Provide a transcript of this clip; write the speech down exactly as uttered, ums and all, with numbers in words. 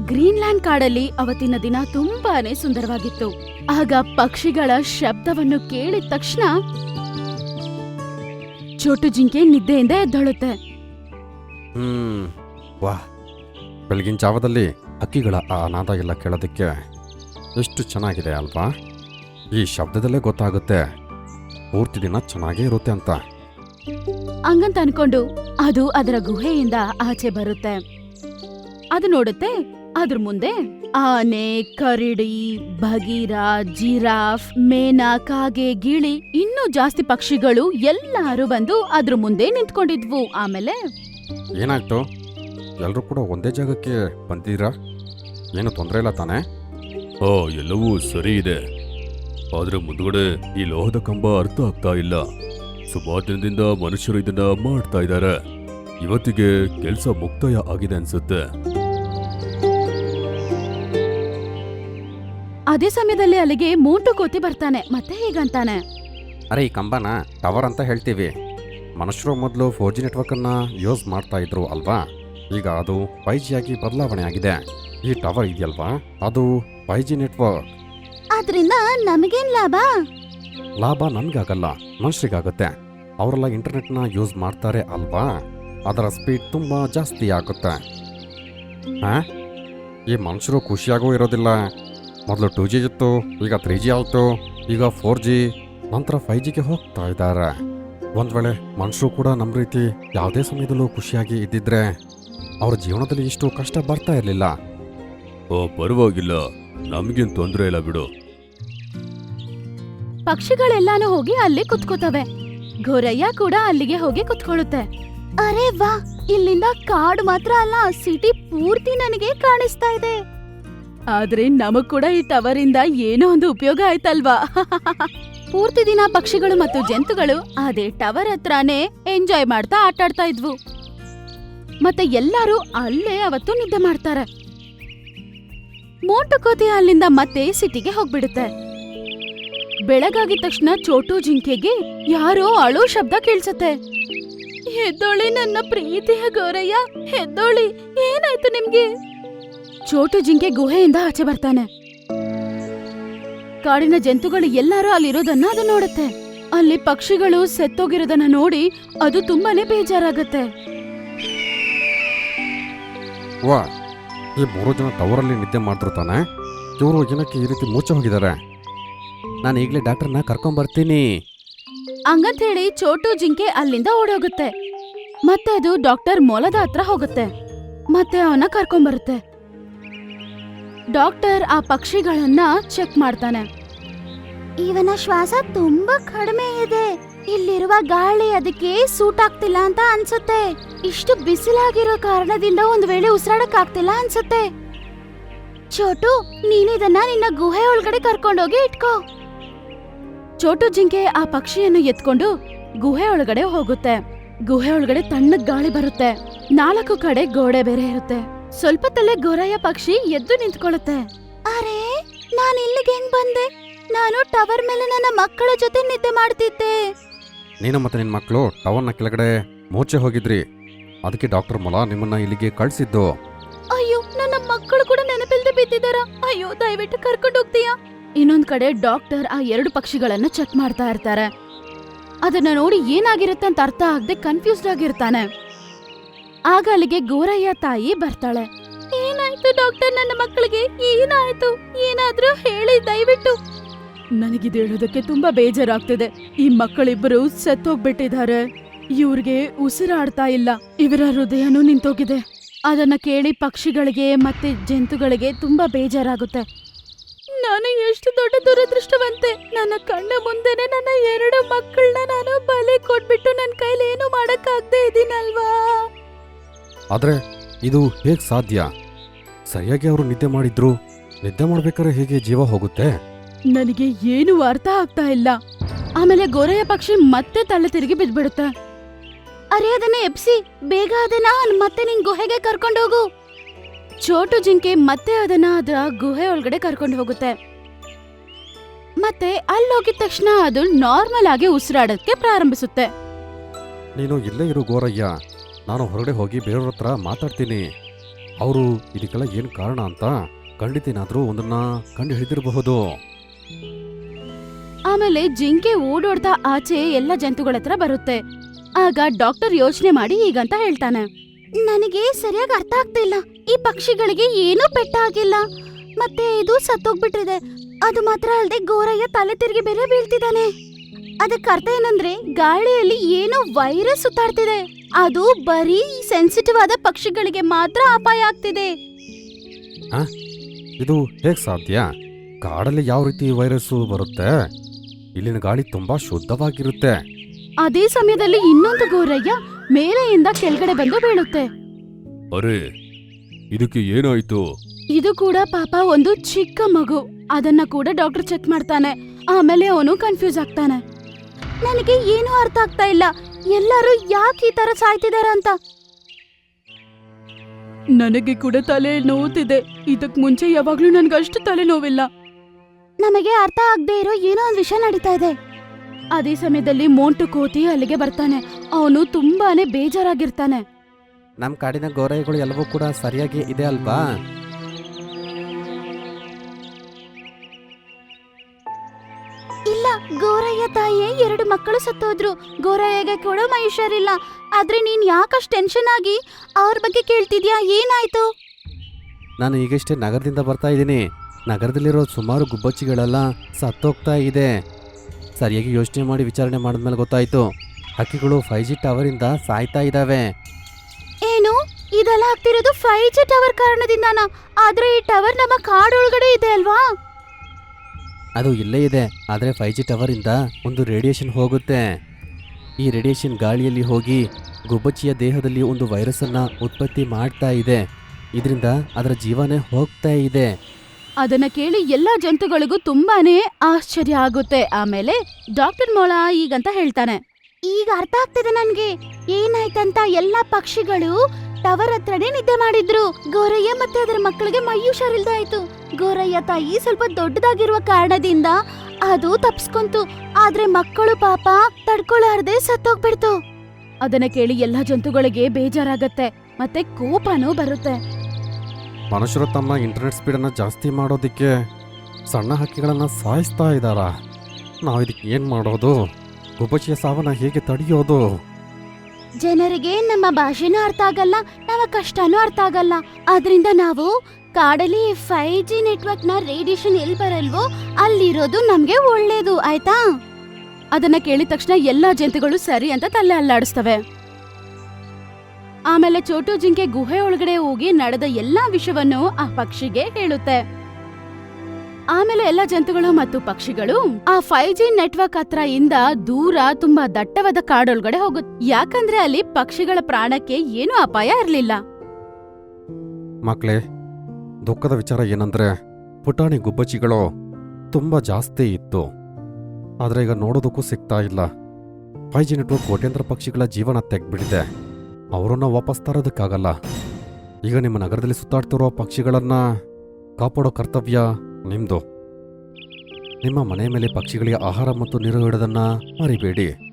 Greenland ಕಾಡಲ್ಲಿ ಅವತ್ತಿನ ದಿನ ತುಂಬಾನೇ ಸುಂದರವಾಗಿತ್ತು. ಆಗ ಪಕ್ಷಿಗಳ ಶಬ್ದವನ್ನು ಕೇಳಿದ ತಕ್ಷಣ ಚೋಟು ಜಿಂಕೆ ನಿದ್ದೆಯಿಂದ ಎದ್ದಳುತ್ತೆ. ಹ್ಮ್ ವಾಹ್, ಬೆಳಗಿನ ಜಾವದಲ್ಲಿ ಹಕ್ಕಿಗಳ ಆ ನಾದ ಎಲ್ಲ ಕೇಳೋದಕ್ಕೆ ಎಷ್ಟು ಚೆನ್ನಾಗಿದೆ ಅಲ್ವಾ? ಈ ಶಬ್ದದಲ್ಲೇ ಗೊತ್ತಾಗುತ್ತೆ ಪೂರ್ತಿ ದಿನ ಚೆನ್ನಾಗೇ ಇರುತ್ತೆ ಅಂತ. ಹಂಗಂತ ಅನ್ಕೊಂಡು ಅದು ಅದರ ಗುಹೆಯಿಂದ ಆಚೆ ಬರುತ್ತೆ. ಅದು ನೋಡುತ್ತೆ, ಅದ್ರ ಮುಂದೆ ಆನೆ, ಕರಡಿ, ಬಗೀರ, ಜಿರಾಫ್, ಮೇನ, ಕಾಗೆ, ಗಿಳಿ, ಇನ್ನೂ ಜಾಸ್ತಿ ಪಕ್ಷಿಗಳು ಎಲ್ಲಾರು ಬಂದು ಅದ್ರ ಮುಂದೆ ನಿಂತ್ಕೊಂಡಿದ್ವು. ಆಮೇಲೆ ಏನಾಯ್ತು? ಎಲ್ಲರೂ ಕೂಡ ಒಂದೇ ಜಾಗಕ್ಕೆ ಬಂದಿದ್ದೀರಾ? ಏನು ತೊಂದರೆ ಇಲ್ಲ ತಾನೇ? ಹಾ, ಎಲ್ಲವೂ ಸರಿ ಇದೆ. ಆದ್ರೆ ಮುಂದ್ಗಡೆ ಈ ಲೋಹದ ಕಂಬ ಅರ್ಥ ಆಗ್ತಾ ಇಲ್ಲ. ಸುಮಾರು ದಿನದಿಂದ ಮನುಷ್ಯರು ಇದನ್ನ ಮಾಡ್ತಾ ಇದ್ದಾರೆ. ಇವತ್ತಿಗೆ ಕೆಲಸ ಮುಕ್ತಾಯ ಆಗಿದೆ ಅನ್ಸುತ್ತೆ. ಅದೇ ಸಮಯದಲ್ಲಿ ಅಲ್ಲಿಗೆ ಮೋಟು ಕೋತಿ ಬರ್ತಾನೆ. ಮತ್ತೆ ಹೀಗಂತಾನೆ, ಅರೆ, ಈ ಕಂಬನ ಟವರ್ ಅಂತ ಹೇಳ್ತೀವಿ. ಮನುಷ್ಯರು ಮೊದಲು ಫೋರ್ ಜಿ ನೆಟ್ವರ್ಕನ್ನು ಯೂಸ್ ಮಾಡ್ತಾ ಇದ್ರು ಅಲ್ವಾ? ಈಗ ಅದು ಫೈ ಜಿ ಆಗಿ ಬದಲಾವಣೆ ಆಗಿದೆ. ಈ ಟವರ್ ಇದೆಯಲ್ವಾ, ಅದು ಫೈ ಜಿ ನೆಟ್ವರ್ಕ್. ಅದ್ರಿಂದ ನಮಗೇನ್ ಲಾಭ? ಲಾಭ ನಮಗಾಗಲ್ಲ, ಮನುಷ್ಯರಿಗಾಗುತ್ತೆ. ಅವರೆಲ್ಲ ಇಂಟರ್ನೆಟ್ನ ಯೂಸ್ ಮಾಡ್ತಾರೆ ಅಲ್ವಾ? ಅದರ ಸ್ಪೀಡ್ ತುಂಬ ಜಾಸ್ತಿ ಆಗುತ್ತೆ. ಹಾಂ, ಈ ಮನುಷ್ಯರು ಖುಷಿಯಾಗೂ ಇರೋದಿಲ್ಲ. ಮೊದಲು ಟೂ ಜಿ ಇತ್ತು, ಈಗ ತ್ರೀ ಜಿ ಆಯಿತು, ಈಗ ಫೋರ್ ಜಿ, ನಂತರ ಫೈ ಜಿಗೆ ಹೋಗ್ತಾ ಇದ್ದಾರೆ. ಒಂದು ವೇಳೆ ಮನುಷ್ಯರು ಕೂಡ ನಮ್ಮ ರೀತಿ ಯಾವುದೇ ಸಮಯದಲ್ಲೂ ಖುಷಿಯಾಗಿ ಇದ್ದಿದ್ರೆ ಅವ್ರ ಜೀವನದಲ್ಲಿ ಇಷ್ಟು ಕಷ್ಟ ಬರ್ತಾ ಇರಲಿಲ್ಲ. ಓ, ಪರವಾಗಿಲ್ಲ, ನಮಗೇನು ತೊಂದರೆ ಇಲ್ಲ ಬಿಡು. ಪಕ್ಷಿಗಳೆಲ್ಲಾನು ಹೋಗಿ ಅಲ್ಲಿ ಕುತ್ಕೋತವೆ. ಗೋರಯ್ಯ ಕೂಡ ಅಲ್ಲಿಗೆ ಹೋಗಿ ಕುತ್ಕೊಳ್ಳುತ್ತೆ. ಅರೆ ವಾ, ಇಲ್ಲಿಂದ ಕಾಡು ಮಾತ್ರ ಅಲ್ಲ, ಸಿಟಿ ಪೂರ್ತಿ ನನಗೆ ಕಾಣಿಸ್ತಾ ಇದೆ. ಆದ್ರೆ ನಮಗ್ ಕೂಡ ಈ ಟವರ್ ಇಂದ ಏನೋ ಒಂದು ಉಪಯೋಗ ಆಯ್ತಲ್ವಾ? ಪೂರ್ತಿ ದಿನ ಪಕ್ಷಿಗಳು ಮತ್ತು ಜಂತುಗಳು ಅದೇ ಟವರ್ ಹತ್ರನೇ ಎಂಜಾಯ್ ಮಾಡ್ತಾ ಆಟಾಡ್ತಾ ಇದ್ವು. ಮತ್ತೆ ಎಲ್ಲರೂ ಅಲ್ಲೇ ಅವತ್ತು ನಿದ್ದೆ ಮಾಡ್ತಾರೆ. ಮೋಟು ಕೋತಿ ಅಲ್ಲಿಂದ ಮತ್ತೆ ಸಿಟಿಗೆ ಹೋಗ್ಬಿಡುತ್ತೆ. ಬೆಳಗಾಗಿದ ತಕ್ಷಣ ಚೋಟು ಜಿಂಕೆಗೆ ಯಾರೋ ಅಳೋ ಶಬ್ದ ಕೇಳಿಸುತ್ತೆ. ಎದ್ದೋಳಿ ನನ್ನ ಪ್ರೀತಿಯ ಗೋರಯ್ಯ, ಎದ್ದೋಳಿ, ಏನಾಯ್ತು ನಿಮ್ಗೆ? ಚೋಟು ಜಿಂಕೆ ಗುಹೆಯಿಂದ ಆಚೆ ಬರ್ತಾನೆ. ಕಾಡಿನ ಜಂತುಗಳು ಎಲ್ಲರೂ ಅಲ್ಲಿರೋದನ್ನ ಅದು ನೋಡುತ್ತೆ. ಅಲ್ಲಿ ಪಕ್ಷಿಗಳು ಸತ್ತೋಗಿರೋದನ್ನ ನೋಡಿ ಅದು ತುಂಬಾನೇ ಬೇಜಾರಾಗತ್ತೆ. ವಾ, ಈ ಮೂರು ಜನ ಟವರಲ್ಲಿ ನಿದ್ದೆ ಮಾಡ್ತಿರು ತಾನೆ? ಇವರು ಏನಕ್ಕೆ ಈ ರೀತಿ ಮೂಚೆ ಹೋಗಿದ್ದಾರೆ? ನಾನು ಈಗಲೇ ಡಾಕ್ಟರ್ನ ಕರ್ಕೊಂಬರ್ತೀನಿ. ಹಂಗಂತ ಹೇಳಿ ಚೋಟು ಜಿಂಕೆ ಅಲ್ಲಿಂದ ಓಡೋಗುತ್ತೆ. ಮತ್ತೆ ಅದು ಡಾಕ್ಟರ್ ಮೊಲದ ಹತ್ರ ಹೋಗುತ್ತೆ. ಮತ್ತೆ ಅವನ ಕರ್ಕೊಂಬರುತ್ತೆ. ಡಾಕ್ಟರ್ ಆ ಪಕ್ಷಿಗಳನ್ನ ಚೆಕ್ ಮಾಡ್ತಾನೆ. ಇವನ ಶ್ವಾಸ ತುಂಬಾ ಕಡಿಮೆ ಇದೆ. ಇಲ್ಲಿರುವ ಗಾಳಿ ಅದಕ್ಕೆ ಸೂಟ್ ಆಗ್ತಿಲ್ಲ ಅಂತ ಅನ್ಸುತ್ತೆ. ಇಷ್ಟು ಬಿಸಿಲಾಗಿರೋ ಕಾರಣದಿಂದ ಒಂದ್ ವೇಳೆ ಉಸಿರಾಡಕ್ ಆಗ್ತಿಲ್ಲ ಅನ್ಸುತ್ತೆ. ಚೋಟು, ನೀನಿದನ್ನ ನಿನ್ನ ಗುಹೆ ಒಳಗಡೆ ಕರ್ಕೊಂಡೋಗಿ ಇಟ್ಕೋ. ಚೋಟು ಜಿಂಕೆ ಆ ಪಕ್ಷಿಯನ್ನು ಎತ್ಕೊಂಡು ಗುಹೆ ಒಳಗಡೆ ಹೋಗುತ್ತೆ. ಗುಹೆ ಒಳಗಡೆ ತಣ್ಣಗ್ ಗಾಳಿ ಬರುತ್ತೆ. ನಾಲ್ಕು ಕಡೆ ಗೋಡೆ ಬೇರೆ ಇರುತ್ತೆ. ಸ್ವಲ್ಪದಲ್ಲೇ ಗೋರಯ್ಯ ಪಕ್ಷಿ ಎದ್ದು ನಿಂತ್ಕೊಳ್ಳುತ್ತೆ. ಅರೆ, ನಾನು ಇಲ್ಲಿಗೆ ಹೆಂಗ್ ಬಂದೆ? ನಾನು ಟವರ್ ಮೇಲೆ ನನ್ನ ಮಕ್ಕಳ ಜೊತೆ ನಿದ್ದೆ ಮಾಡ್ತಿದ್ದೆ. ನೀನು ಮತ್ತೆ ನಿನ್ನ ಮಕ್ಕಳು ಟವರ್ನ ಕೆಳಗಡೆ ಮೂಚೆ ಹೋಗಿದ್ರಿ. ಅದಕ್ಕೆ ಡಾಕ್ಟರ್ ಮೊಲ ನಿಮ್ಮನ್ನ ಇಲ್ಲಿಗೆ ಕಳಿಸಿದ್ದು. ಅಯ್ಯೋ, ನನ್ನ ಮಕ್ಕಳು ಕೂಡ ನೆನಪಿಲ್ದೆ ಬಿದ್ದಿದ್ದಾರ. ಅಯ್ಯೋ, ದಯವಿಟ್ಟು ಕರ್ಕೊಂಡು ಹೋಗ್ತೀಯಾ? ಇನ್ನೊಂದ್ ಕಡೆ ಡಾಕ್ಟರ್ ಆ ಎರಡು ಪಕ್ಷಿಗಳನ್ನ ಚೆಕ್ ಮಾಡ್ತಾ ಇರ್ತಾರೆ. ಅದನ್ನ ನೋಡಿ ಏನಾಗಿರುತ್ತೆ ಅಂತ ಅರ್ಥ ಆಗದೆ ಕನ್ಫ್ಯೂಸ್ಡ್ ಆಗಿರ್ತಾನೆ. ಆಗ ಅಲ್ಲಿಗೆ ಗೋರಯ್ಯ ತಾಯಿ ಬರ್ತಾಳೆ. ಏನಾಯ್ತು ಡಾಕ್ಟರ್, ನನ್ನ ಮಕ್ಕಳಿಗೆ ಏನಾಯ್ತು? ಏನಾದ್ರೂ ಹೇಳಿ ದಯವಿಟ್ಟು. ನನಗಿದು ಹೇಳೋದಕ್ಕೆ ತುಂಬಾ ಬೇಜಾರಾಗ್ತಿದೆ. ಈ ಮಕ್ಕಳಿಬ್ಬರು ಸತ್ತೋಗ್ಬಿಟ್ಟಿದ್ದಾರೆ. ಇವ್ರಿಗೆ ಉಸಿರಾಡ್ತಾ ಇಲ್ಲ. ಇವರ ಹೃದಯನೂ ನಿಂತೋಗಿದೆ. ಅದನ್ನ ಕೇಳಿ ಪಕ್ಷಿಗಳಿಗೆ ಮತ್ತೆ ಜಂತುಗಳಿಗೆ ತುಂಬಾ ಬೇಜಾರಾಗುತ್ತೆ. ನಾನು ಎಷ್ಟು ದೊಡ್ಡ ದುರದೃಷ್ಟವಂತೆ. ನನ್ನ ಕಣ್ಣ ಮುಂದೆನೆ ನನ್ನ ಎರಡು ಮಕ್ಕಳನ್ನ ನಾನು ಬಲಿ ಕೊಟ್ಬಿಟ್ಟು ನನ್ನ ಕೈಲಿ ಏನು ಮಾಡಕ್ಕಾಗದೆ ಇದೀನಲ್ವಾ? ಆದ್ರೆ ಇದು ಹೇಗ್ ಸಾಧ್ಯ? ಸರಿಯಾಗಿ ಅವರು ನಿದ್ದೆ ಮಾಡಿದ್ರು. ನಿದ್ದೆ ಮಾಡ್ಬೇಕಾದ್ರೆ ಹೇಗೆ ಜೀವ ಹೋಗುತ್ತೆ? ನನಗೆ ಏನು ಅರ್ಥ ಆಗ್ತಾ ಇಲ್ಲ. ಆಮೇಲೆ ಗೋರಯ್ಯ ಪಕ್ಷಿ ಮತ್ತೆ ತಲೆ ತಿರುಗಿ ಬಿದ್ಬಿಡುತ್ತೆ. ಅರೆ, ಅದನ್ನ ಎಪ್ಸಿ, ಬೇಗ ಅದನ್ನ ಮತ್ತೆ ನಿನ್ ಗುಹೆಗೆ ಕರ್ಕೊಂಡೋಗು. ಚೋಟು ಜಿಂಕೆ ಮತ್ತೆ ಅದನ್ನ ಅದರ ಗುಹೆ ಒಳಗಡೆ ಕರ್ಕೊಂಡು ಹೋಗುತ್ತೆ. ಮತ್ತೆ ಅಲ್ಲಿ ಹೋಗಿದ ತಕ್ಷಣ ಅದು ನಾರ್ಮಲ್ ಆಗಿ ಉಸಿರಾಡಕ್ಕೆ ಪ್ರಾರಂಭಿಸುತ್ತೆ. ನೀನು ಇಲ್ಲೇ ಇರು ಗೋರಯ್ಯ, ನಾನು ಹೊರಗಡೆ ಹೋಗಿ ಬೇರೆಯವ್ರ ಹತ್ರ ಮಾತಾಡ್ತೀನಿ. ಅವರು ಇದಕ್ಕೆಲ್ಲ ಏನು ಕಾರಣ ಅಂತ ಖಂಡಿತ ಏನಾದರೂ ಒಂದನ್ನ ಕಂಡು ಹಿಡಿದಿರಬಹುದು. ಆಮೇಲೆ ಜಿಂಕೆ ಓಡೋಡ್ತಾ ಆಚೆ ಎಲ್ಲ ಜಂತುಗಳ ಹತ್ರ ಬರುತ್ತೆ. ಆಗ ಡಾಕ್ಟರ್ ಯೋಚನೆ ಮಾಡಿ ಹೀಗಂತ ಹೇಳ್ತಾನೆ, ನನಗೆ ಸರಿಯಾಗಿ ಅರ್ಥ ಆಗ್ತಿಲ್ಲ. ಈ ಪಕ್ಷಿಗಳಿಗೆ ಏನೂ ಪೆಟ್ಟಾಗಿಲ್ಲ, ಮತ್ತೆ ಇದು ಸತ್ತೋಗ್ಬಿಟ್ಟಿದೆ. ಅದು ಮಾತ್ರ ಅಲ್ಲದೆ ಗೋರಯ್ಯ ತಲೆ ತಿರುಗಿ ಬೇರೆ ಬೀಳ್ತಿದ್ದಾನೆ. ಅದಕ್ಕೆ ಅರ್ಥ ಏನಂದ್ರೆ ಗಾಳಿಯಲ್ಲಿ ಏನೋ ವೈರಸ್ ಸುತ್ತಾಡ್ತಿದೆ. ಅದು ಬರೀ ಸೆನ್ಸಿಟಿವ್ ಆದ ಪಕ್ಷಿಗಳಿಗೆ ಮಾತ್ರ ಅಪಾಯ ಆಗ್ತಿದೆ. ಇದು ಹೇಗೆ ಸಾಧ್ಯ? ಕಾಡಲ್ಲಿ ಯಾವ ರೀತಿ ವೈರಸ್ಸು ಬರುತ್ತೆ? ಇಲ್ಲಿನ ಗಾಳಿ ತುಂಬಾ ಶುದ್ಧವಾಗಿರುತ್ತೆ. ಅದೇ ಸಮಯದಲ್ಲಿ ಇನ್ನೊಂದು ಗೋರಯ್ಯ ಮೇಲೆಯಿಂದ ಕೆಳಗಡೆ ಬಂದು ಬೀಳುತ್ತೆ. ಅರೆ, ಇದಕ್ಕೆ ಏನಾಯ್ತು? ಇದು ಕೂಡ ಪಾಪ ಒಂದು ಚಿಕ್ಕ ಮಗು. ಅದನ್ನ ಕೂಡ ಡಾಕ್ಟರ್ ಚೆಕ್ ಮಾಡ್ತಾನೆ. ಆಮೇಲೆ ಅವನು ಕನ್ಫ್ಯೂಸ್ ಆಗ್ತಾನೆ. ನನಗೆ ಏನೂ ಅರ್ಥ ಆಗ್ತಾ ಇಲ್ಲ, ಎಲ್ಲರೂ ಯಾಕೆ ಈ ತರ ಸಾಯ್ತಿದಾರ ಅಂತ. ನನಗೆ ಕೂಡ ತಲೆ ನೋವುತ್ತಿದೆ. ಇದಕ್ ಮುಂಚೆ ಯಾವಾಗ್ಲೂ ನನ್ಗಷ್ಟು ತಲೆ ನೋವಿಲ್ಲ. ನಮಗೆ ಅರ್ಥ ಆಗದೆ ಇರೋ ಏನೋ ಒಂದ್ ವಿಷಯ ನಡೀತಾ ಇದೆ. ಅದೇ ಸಮಯದಲ್ಲಿ ಮೋಂಟು ಕೋತಿ ಅಲ್ಲಿಗೆ ಬರ್ತಾನೆ. ಅವನು ತುಂಬಾನೇ ಬೇಜಾರಾಗಿರ್ತಾನೆ. ನಮ್ಮ ಕಾಡಿನ ಗೋರೈಗಳು ಎಲ್ಲವೂ ಕೂಡ ಸರಿಯಾಗಿ ಇದೆ ಅಲ್ವಾ? ಇಲ್ಲ, ಗೋರಯ್ಯ ತಾಯಿಯೇ ಎರಡು ಮಕ್ಕಳು ಸತ್ತೋದ್ರು. ಗೋರಯ್ಯಗೆ ಕೂಡ ಮೈ ಹುಷಾರಿಲ್ಲ. ಆದ್ರೆ ನೀನ್ ಯಾಕಷ್ಟು ಟೆನ್ಷನ್ ಆಗಿ ಅವ್ರ ಬಗ್ಗೆ ಕೇಳ್ತಿದ್ಯಾ? ಏನಾಯ್ತು? ನಾನು ಈಗಷ್ಟೇ ನಗರದಿಂದ ಬರ್ತಾ ಇದ್ದೀನಿ. ನಗರದಲ್ಲಿರೋ ಸುಮಾರು ಗುಬ್ಬಚ್ಚಿಗಳೆಲ್ಲ ಸತ್ತೋಗ್ತಾ ಇದೆ. ಸರಿಯಾಗಿ ಯೋಚನೆ ಮಾಡಿ ವಿಚಾರಣೆ ಮಾಡಿದ್ಮೇಲೆ ಗೊತ್ತಾಯ್ತು, ಹಕ್ಕಿಗಳು ಫೈವ್ ಜಿ ಟವರಿಂದ ಸಾಯ್ತಾ ಇದ್ದಾವೆ. ಏನು ಇದೆಲ್ಲ ಆಗ್ತಿರೋದು ಫೈವ್ ಜಿ ಟವರ್ ಕಾರಣದಿಂದಾನ? ಆದ್ರೆ ಈ ಟವರ್ ನಮ್ಮ ಕಾಡೊಳಗಡೆ ಇದೆ ಅಲ್ವಾ? ಅದು ಇಲ್ಲೇ ಇದೆ, ಆದರೆ ಫೈವ್ ಜಿ ಟವರಿಂದ ಒಂದು ರೇಡಿಯೇಷನ್ ಹೋಗುತ್ತೆ. ಈ ರೇಡಿಯೇಷನ್ ಗಾಳಿಯಲ್ಲಿ ಹೋಗಿ ಗುಬ್ಬಚ್ಚಿಯ ದೇಹದಲ್ಲಿ ಒಂದು ವೈರಸ್ಸನ್ನು ಉತ್ಪತ್ತಿ ಮಾಡ್ತಾ ಇದೆ. ಇದರಿಂದ ಅದರ ಜೀವನೇ ಹೋಗ್ತಾ ಇದೆ. ಅದನ್ನ ಕೇಳಿ ಎಲ್ಲಾ ಜಂತುಗಳಿಗೂ ತುಂಬಾನೇ ಆಶ್ಚರ್ಯ ಆಗುತ್ತೆ. ಆಮೇಲೆ ಡಾಕ್ಟರ್ ಮೊಳ ಈಗಂತ ಹೇಳ್ತಾನೆ, ಈಗ ಅರ್ಥ ಆಗ್ತಿದೆ ನನ್ಗೆ ಏನಾಯ್ತಂತ. ಎಲ್ಲಾ ಪಕ್ಷಿಗಳು ಟವರ್ ಹತ್ರನೇ ನಿದ್ದೆ ಮಾಡಿದ್ರು. ಗೋರಯ್ಯ ಮತ್ತೆ ಅದರ ಮಕ್ಕಳಿಗೆ ಮೈ ಹುಷಾರಿಲ್ದಾಯ್ತು. ಗೋರಯ್ಯ ತಾಯಿ ಸ್ವಲ್ಪ ದೊಡ್ಡದಾಗಿರುವ ಕಾರಣದಿಂದ ಅದು ತಪ್ಸ್ಕೊಂತು. ಆದ್ರೆ ಮಕ್ಕಳು ಪಾಪ ತಡ್ಕೊಳಾರ್ದೆ ಸತ್ತೋಗ್ಬಿಡ್ತು. ಅದನ್ನ ಕೇಳಿ ಎಲ್ಲಾ ಜಂತುಗಳಿಗೆ ಬೇಜಾರಾಗತ್ತೆ, ಮತ್ತೆ ಕೋಪನೂ ಬರುತ್ತೆ. ಮನುಷ್ಯರು ತಮ್ಮ ಇಂಟರ್ನೆಟ್ ಸ್ಪೀಡನ್ನು ಜಾಸ್ತಿ ಮಾಡೋದಕ್ಕೆ ಸಣ್ಣ ಹಕ್ಕಿಗಳನ್ನು ಸಾಯಿಸ್ತಾ ಇದ್ದಾರಾ? ನಾವು ಇದಕ್ಕೆ ಏನು ಮಾಡೋದು? ಗುಬ್ಬಚ್ಚಿಯ ಸಾವನ್ನ ಹೇಗೆ ತಡೆಯೋದು? ಜನರಿಗೆ ನಮ್ಮ ಭಾಷೆನೂ ಅರ್ಥ ಆಗಲ್ಲ, ನಮ್ಮ ಕಷ್ಟನೂ ಅರ್ಥ ಆಗಲ್ಲ. ಆದ್ರಿಂದ ನಾವು ಕಾಡಲ್ಲಿ ಫೈವ್ ಜಿ ನೆಟ್ವರ್ಕ್ ನ ರೇಡಿಯೇಷನ್ ಎಲ್ಲಿ ಬರಲ್ವೋ ಅಲ್ಲಿರೋದು ನಮ್ಗೆ ಒಳ್ಳೇದು, ಆಯ್ತಾ? ಅದನ್ನ ಕೇಳಿದ ತಕ್ಷಣ ಎಲ್ಲಾ ಜಂತುಗಳು ಸರಿ ಅಂತ ತಲೆ ಅಲ್ಲಾಡಿಸ್ತವೆ. ಆಮೇಲೆ ಚೋಟು ಜಿಂಕೆ ಗುಹೆ ಒಳಗಡೆ ಹೋಗಿ ನಡೆದ ಎಲ್ಲಾ ವಿಷಯವನ್ನು ಆ ಪಕ್ಷಿಗೆ ಹೇಳುತ್ತೆ. ಆಮೇಲೆ ಎಲ್ಲ ಜಂತುಗಳು ಮತ್ತು ಪಕ್ಷಿಗಳು ಆ ಫೈವ್ ಜಿ ನೆಟ್ವರ್ಕ್ ಹತ್ರ ಇಂದ ದೂರ ತುಂಬಾ ದಟ್ಟವಾದ ಕಾಡೊಳಗಡೆ ಹೋಗುತ್ತೆ. ಯಾಕಂದ್ರೆ ಅಲ್ಲಿ ಪಕ್ಷಿಗಳ ಪ್ರಾಣಕ್ಕೆ ಏನೂ ಅಪಾಯ ಇರಲಿಲ್ಲ. ಮಕ್ಕಳೇ, ದುಃಖದ ವಿಚಾರ ಏನಂದ್ರೆ ಪುಟಾಣಿ ಗುಬ್ಬಚ್ಚಿಗಳು ತುಂಬ ಜಾಸ್ತಿ ಇತ್ತು, ಆದರೆ ಈಗ ನೋಡೋದಕ್ಕೂ ಸಿಗ್ತಾ ಇಲ್ಲ. ಫೈವ್ ಜಿ ನೆಟ್ವರ್ಕ್ ಕೋಟ್ಯಾಂತರ ಪಕ್ಷಿಗಳ ಜೀವನ ತೆಗ್ಬಿಟ್ಟಿದೆ. ಅವರನ್ನ ವಾಪಸ್ ತರೋದಕ್ಕಾಗಲ್ಲ. ಈಗ ನಿಮ್ಮ ನಗರದಲ್ಲಿ ಸುತ್ತಾಡ್ತಿರೋ ಪಕ್ಷಿಗಳನ್ನ ಕಾಪಾಡೋ ಕರ್ತವ್ಯ ನಿಮ್ದು. ನಿಮ್ಮ ಮನೆ ಮೇಲೆ ಪಕ್ಷಿಗಳಿಗೆ ಆಹಾರ ಮತ್ತು ನೀರು ಇಡೋದನ್ನ ಮರಿಬೇಡಿ.